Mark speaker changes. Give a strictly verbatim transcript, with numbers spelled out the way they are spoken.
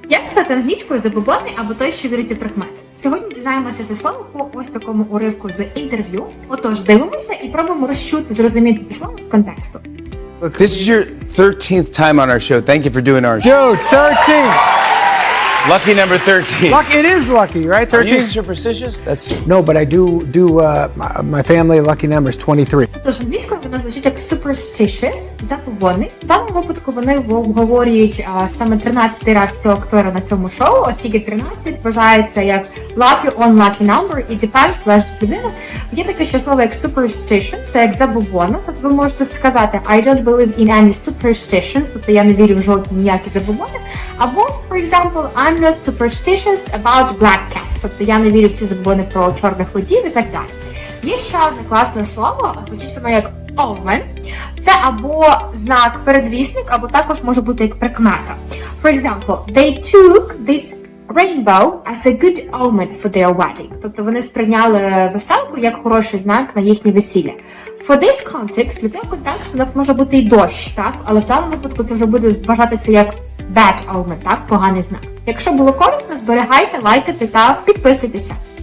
Speaker 1: Як сказати англійською забобонний або той, що вірить у прикмети? Сьогодні дізнаємося це слово по ось такому уривку з інтерв'ю. Отож, дивимося і пробуємо розчути, зрозуміти це слово з контексту.
Speaker 2: This is your thirteenth time on our show. Thank you for doing our show.
Speaker 3: Dude, thirteen.
Speaker 2: Lucky number thirteen.
Speaker 3: Lucky, it is lucky, right?
Speaker 2: Are you
Speaker 3: thirteen?
Speaker 2: superstitious? That's
Speaker 3: No, but I do do uh, my, my family lucky number is twenty-three.
Speaker 1: Тож англійською вона звучить як superstitious, забобонний. В даному випадку вони обговорюють а, саме тринадцятий раз цього актора на цьому шоу, оскільки тринадцять вважається як lucky on lucky number і depends, залежить від людини. Є таке ще слово як superstition, це як забобонно, тобто ви можете сказати I don't believe in any superstitions, тобто я не вірю в жодні ніякі забобони, або, for example, I'm not superstitious about black cats, тобто я не вірю в ці забобони про чорних котів і так далі. Є ще одне класне слово, звучить воно як omen. Це або знак передвісник, або також може бути як прикмета. For example, they took this rainbow as a good omen for their wedding. Тобто вони сприйняли веселку як хороший знак на їхнє весілля. For this context, для цього контексту у нас може бути і дощ, так? Але в даному випадку це вже буде вважатися як bad omen, так? Поганий знак. Якщо було корисно, зберігайте, лайкайте та підписуйтеся.